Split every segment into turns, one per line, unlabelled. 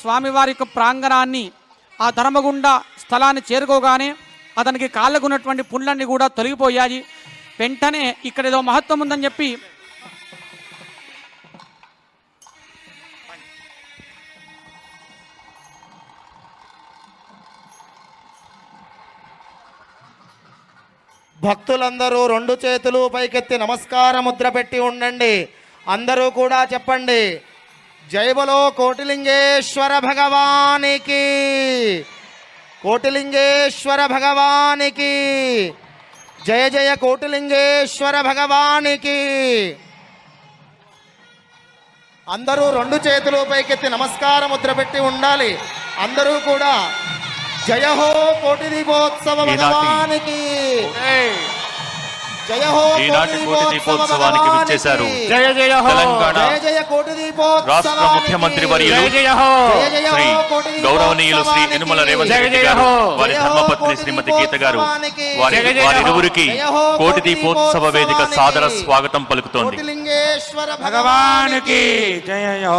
స్వామివారి యొక్క ప్రాంగణాన్ని ఆ ధర్మగుండ స్థలాన్ని చేరుకోగానే అతనికి కాళ్ళకు ఉన్నటువంటి పుండ్లన్నీ కూడా తొలగిపోయాయి. వెంటనే ఇక్కడ ఏదో మహత్వం ఉందని చెప్పి
భక్తులందరూ రెండు చేతులు పైకెత్తి నమస్కార ముద్ర పెట్టి ఉండండి. అందరూ కూడా చెప్పండి, జై బలో కోటిలింగేశ్వర భగవానికి, కోటిలింగేశ్వర భగవానికి, జయ జయ కోటిలింగేశ్వర భగవానికి. అందరూ రెండు చేతులు పైకెత్తి నమస్కార ముద్ర పెట్టి ఉండాలి. అందరూ కూడా జయ హో కోటి దీపోత్సవ భగవానికి, జయ హో కోటి దీపోత్సవానికి విచ్చేశారు.
జయ జయ హో
జయ జయ కోటి దీపోత్సవ
రాష్ట్ర ముఖ్యమంత్రి వర్యులు శ్రీ గౌరవనీయులు శ్రీ యనుమల రేవంత్ రెడ్డి గారు, వారి ధర్మపత్ని శ్రీమతి గీత గారు, వారిరువురికి కోటి దీపోత్సవ వేదిక సాదర స్వాగతం పలుకుతోంది.
కోటిలింగేశ్వర
భగవానికి జయ హో.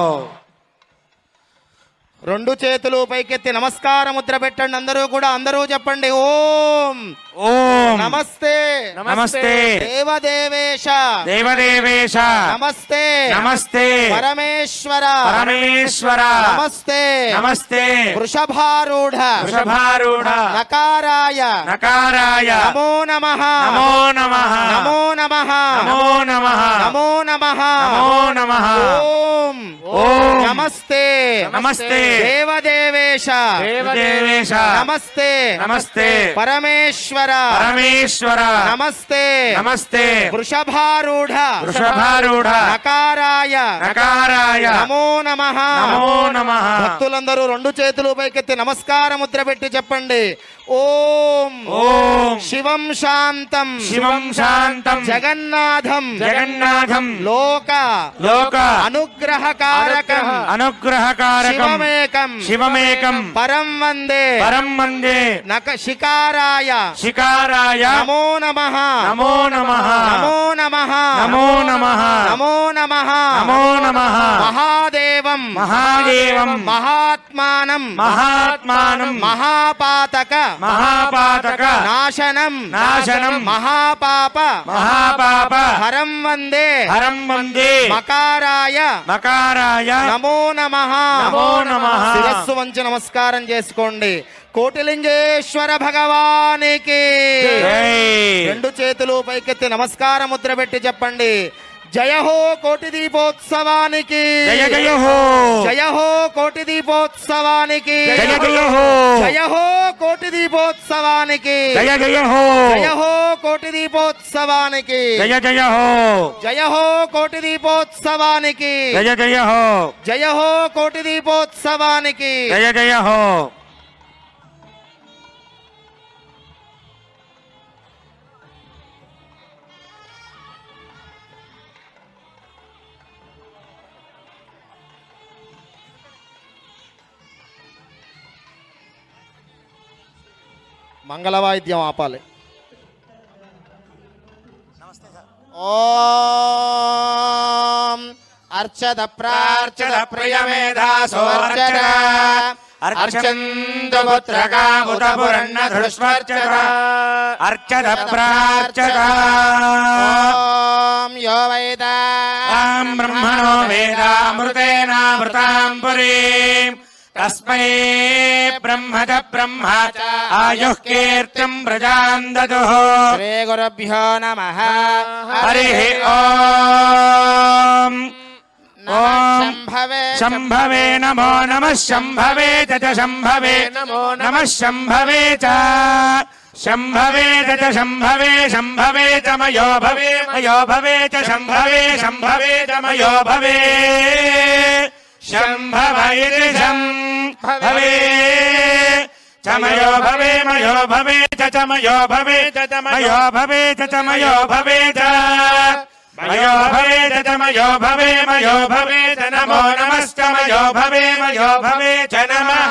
రెండు చేతులు పైకెత్తి నమస్కార ముద్ర పెట్టండి. అందరూ కూడా అందరూ చెప్పండి, ఓం
ఓం
నమస్తే
నమస్తే
దేవదేవేశ
దేవదేవేశ
నమస్తే
నమస్తే
పరమేశ్వర
పరమేశ్వర
నమస్తే
నమస్తే
వృషభారూఢ
వృషభారూఢ
నకారాయ
నకారాయ
నమో నమః
నమో నమః
నమో నమః
నమో నమః
నమో నమః
నమో నమః.
ఓం
ఓం
నమస్తే
నమస్తే
దేవదేవేశ
దేవదేవేశ
నమస్తే
నమస్తే
పరమేశ్వర
పరమేశ్వర
నమస్తే
నమస్తే
వృషభారూఢ
వృషభారూఢ
నకారాయ
నకారాయ
నమో నమః
నమో నమః.
భక్తులందరూ రెండు చేతులు పైకెత్తి నమస్కార ముద్ర పెట్టి చెప్పండి, ఓం
ఓం
శివం శాంతం
శివం శాంతం
జగన్నాథం
జగన్నాథం
లోక
లోక
అనుగ్రహకారకం
అనుగ్రహకారకం
శివమేకం
శివమేకం
పరం వందే
పరం వందే
నక శికారాయ
శికారాయ
నమో నమః
నమో నమః
నమో నమః
నమో నమః
నమో నమః
నమో నమః.
మహాదేవం
మహాదేవం
మహాత్మానం
మహాత్మానం
మహాపాతక
మహాపాతక
నాశనం
నాశనం
మహాపాప
మహాపాప
హరం వందే
హరం వందే
మకారాయ
మకారాయ
నమో నమః
నమో నమః.
శిరస్సు వంచి నమస్కారం చేసుకోండి. కోటిలింగేశ్వర భగవానికి
జై.
రెండు చేతులు పైకెత్తి నమస్కార ముద్ర పెట్టి చెప్పండి, జయ హో కోటి దీపోత్సవానికి,
జయ జయ హో
జయ హో కోటి దీపోత్సవానికి,
జయ జయ హో
జయ హో కోటి దీపోత్సవానికి,
జయ జయ హో
జయ హో కోటి దీపోత్సవానికి,
జయ జయ హో
జయ హో కోటి దీపోత్సవానికి,
జయ జయ హో
జయ హో కోటి దీపోత్సవానికి.
జయ జయ హో.
మంగళవాయిద్యం ఆపాలి. ఓం అర్చద ప్రార్చద ప్రియమేధాసో అర్చద
అర్చంతు పుత్రకాముత పురన్న ధృష్వర్చద అర్చద ప్రార్చద.
ఓం యో వేదా
తాం బ్రహ్మణో వేదామృతేనామృతాం పురీం తస్మై బ్రహ్మద బ్రహ్మ ఆయుః కీర్తిం ప్రజాం దదుః.
శ్రీ గురుభ్యో నమః.
హరి ఓం. ఓం
శంభవే
శంభవే నమో నమః శంభవే చ శంభవే నమో నమః శంభవే చ శంభవే చ శంభవే శంభవే చ మయో భవే మయో భవే చ శంభవే శంభవే చ మయో భవే శంభవ ఇతి శంభవే చ మయో భవే మయో భవే చ మయో భవే చ మయో భవే చ మయో భవే చ మయో భవే చ మయో భవే మయో భవే చ నమో నమశ్చ మయో భవే చ నమః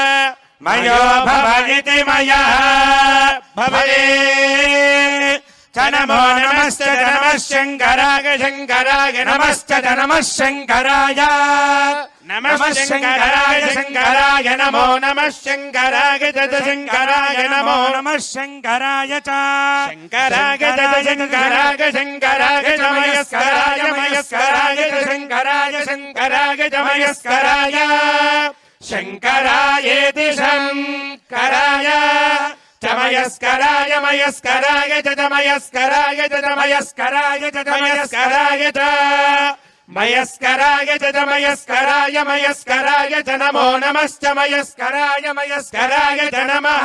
మయో భవ ఇతి మయః భవే చ च नमो नमश्च च नमः शङ्कराय शङ्कराय नमश्च च नमः शङ्कराय नमः शङ्कराय शङ्कराय नमो नमः शङ्कराय च शङ्कराय नमो नमः शङ्कराय च शङ्कराय च शङ्कराय शङ्कराय च मयस्कराय मयस्कराय च शङ्कराय शङ्कराय च मयस्कराय शङ्करायेति शङ्कराय च मयस्कराय मयस्कराय च मयस्कराय च मयस्कराय च मयस्कराय च मयस्कराय च मयस्कराय मयस्कराय च नमो नमश्च मयस्कराय मयस्कराय च नमः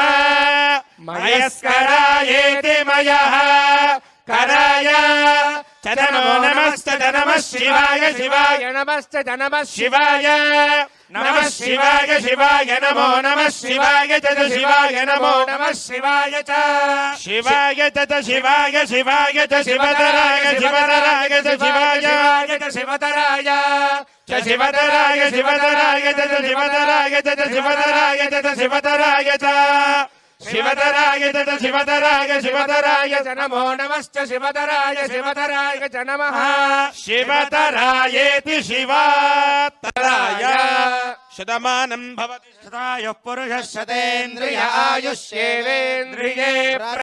मयस्करायेति मयः कराय च नमो नमश्च च नमः शिवाय शिवाय नमश्च च नमः शिवाय नमः शिवाय शिवाय नमो नमः शिवाय च शिवाय नमो नमः शिवाय च शिवाय च शिवाय शिवाय च शिवतराय शिवतराय च शिवाय च शिवतराय च शिवतराय शिवतराय च शिवतराय च शिवतराय च शिवतराय च शिवतराय च शिवतराय शिवतराय च नमो नमश्च शिवतराय शिवतराय च नमः शिवतरायेति शिवतराय शतमानं भवति शतायुः पुरुषः शतेन्द्रिय आयुष्येवेन्द्रिये